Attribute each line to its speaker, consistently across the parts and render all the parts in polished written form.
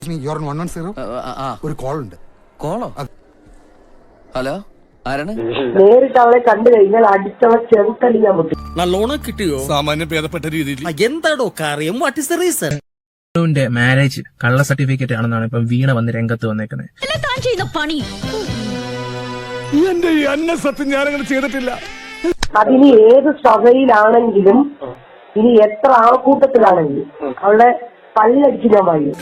Speaker 1: ഒരു കോൾ ഉണ്ട്.
Speaker 2: കോളോ? ഹലോ, ആരാണ്?
Speaker 3: നേരിട്ട് അവളെ കണ്ടു കഴിഞ്ഞാൽ അടിച്ചവ ചെറുത്തടി ഞാൻ പൊട്ടി.
Speaker 4: നല്ലോണം കിട്ടിയോ?
Speaker 1: സാമാന്യം ഭേദപ്പെട്ട രീതിയിൽ.
Speaker 4: എന്താടോ കാര്യം? What is the reason?
Speaker 5: Marriage കള്ള സർട്ടിഫിക്കറ്റ് ആണെന്നാണ് ഇപ്പൊ വീണ വന്ന് രംഗത്ത് വന്നേക്കുന്നത്.
Speaker 1: എന്റെ ഈ അന്ന സത്യം ഞാനങ്ങനെ ചെയ്തിട്ടില്ല.
Speaker 3: അതിനി ഏത് സഭയിലാണെങ്കിലും ഇനി എത്ര ആൾക്കൂട്ടത്തിലാണെങ്കിലും അവളുടെ പല്ലടിച്ച് ഞാൻ വാങ്ങി.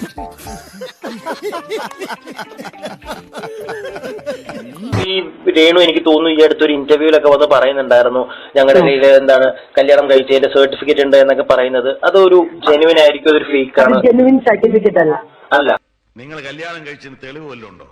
Speaker 6: ഈ രേണു എനിക്ക് തോന്നുന്നു ഈ അടുത്തൊരു ഇന്റർവ്യൂലൊക്കെ വന്ന് പറയുന്നുണ്ടായിരുന്നു ഞങ്ങളുടെ കയ്യിൽ എന്താണ് കല്യാണം കഴിച്ചതിന്റെ സർട്ടിഫിക്കറ്റ് ഉണ്ട് എന്നൊക്കെ പറയുന്നത്. അതൊരു ജെനുവിൻ ആയിരിക്കും, അതൊരു ഫേക്ക് ആണ്?
Speaker 3: ജെനുവിൻ സർട്ടിഫിക്കറ്റ് അല്ല.
Speaker 6: അല്ല.
Speaker 7: നിങ്ങൾ കല്യാണം കഴിച്ചതിന് തെളിവ് വല്ലതും ഉണ്ടോ?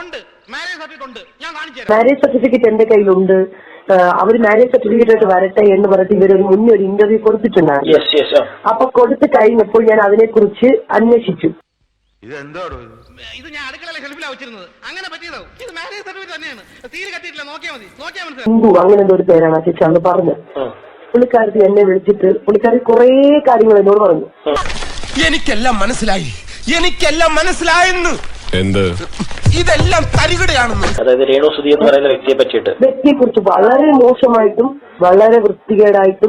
Speaker 3: മാരേജ് സർട്ടിഫിക്കറ്റ് എന്റെ കയ്യിലുണ്ട്. അവര് മാരേജ് സർട്ടിഫിക്കറ്റ് ആയിട്ട് വരട്ടെ എന്ന് പറഞ്ഞിട്ട് ഇവരൊരു മുന്നേ ഒരു ഇന്റർവ്യൂ കൊടുത്തിട്ടുണ്ടായിരുന്നു. അപ്പൊ കൊടുത്തു കഴിഞ്ഞപ്പോൾ ഞാൻ അതിനെ കുറിച്ച് അന്വേഷിച്ചു.
Speaker 7: ഇത് എന്താണോ
Speaker 8: ഇത്? ഞാൻ അടുക്കളയിലെ ഷെൽഫിലാണ് വെച്ചിരുന്നത്. അങ്ങനെ പറ്റിയതോ? ഇത് മാരേജ് സർട്ടിഫിക്കറ്റ് തന്നെയാണ്. തീരെ കത്തിയിട്ടില്ല. നോക്കിയാൽ മതി.
Speaker 3: ഹിന്ദു അങ്ങനെ എന്തോ ഒരു പേരാണ് ചേച്ചി അന്ന് പറഞ്ഞത്. പുള്ളിക്കാരത്തി എന്നെ വിളിച്ചിട്ട് പുള്ളിക്കാരി കുറെ കാര്യങ്ങൾ എന്നോട് പറഞ്ഞു.
Speaker 4: എനിക്കെല്ലാം മനസ്സിലായെന്ന്.
Speaker 1: എന്ത്?
Speaker 4: ഇതെല്ലാം തരികടയാണെന്ന്.
Speaker 6: അതായത് രേണു സുധി എന്ന് പറയുന്ന
Speaker 3: വ്യക്തിയെ കുറിച്ച് വളരെ മോശമായിട്ടും വളരെ വൃത്തികേടായിട്ടും.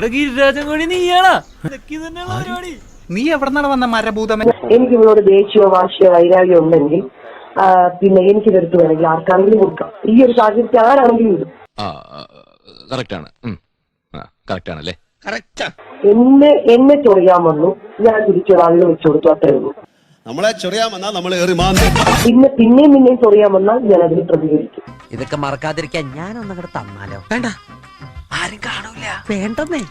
Speaker 2: നീ എവിടെന്നാണ് വന്ന മരഭൂതമൻ?
Speaker 3: എനിക്ക് ഇവളോട് ദേഷ്യമോ വാശിയോ വൈരാഗ്യം ഉണ്ടെങ്കിൽ പിന്നെ എനിക്ക് ഇതെടുത്ത് വേണമെങ്കിൽ ആർക്കാണെങ്കിലും കൊടുക്കാം. ഈ ഒരു സാഹചര്യത്തിൽ ആരാണെങ്കിലും ഇടും. എന്നെ ചൊറിയാൻ വന്നു, ഞാൻ തിരിച്ചൊരാളിനെ വെച്ചു കൊടുത്തു, അത്രേ ഉള്ളൂ.
Speaker 1: നമ്മളെ ചൊറിയാൻ വന്നാൽ നമ്മൾ
Speaker 3: പിന്നെയും ചൊറിയാൻ വന്നാൽ ഞാൻ അതിന് പ്രതികരിക്കും.
Speaker 2: ഇതൊക്കെ മറക്കാതിരിക്കാൻ ഞാനൊന്നങ്ങോട്ട് തന്നാലോ? വേണ്ട, ആരും കാണൂല. വേണ്ടെന്നേ.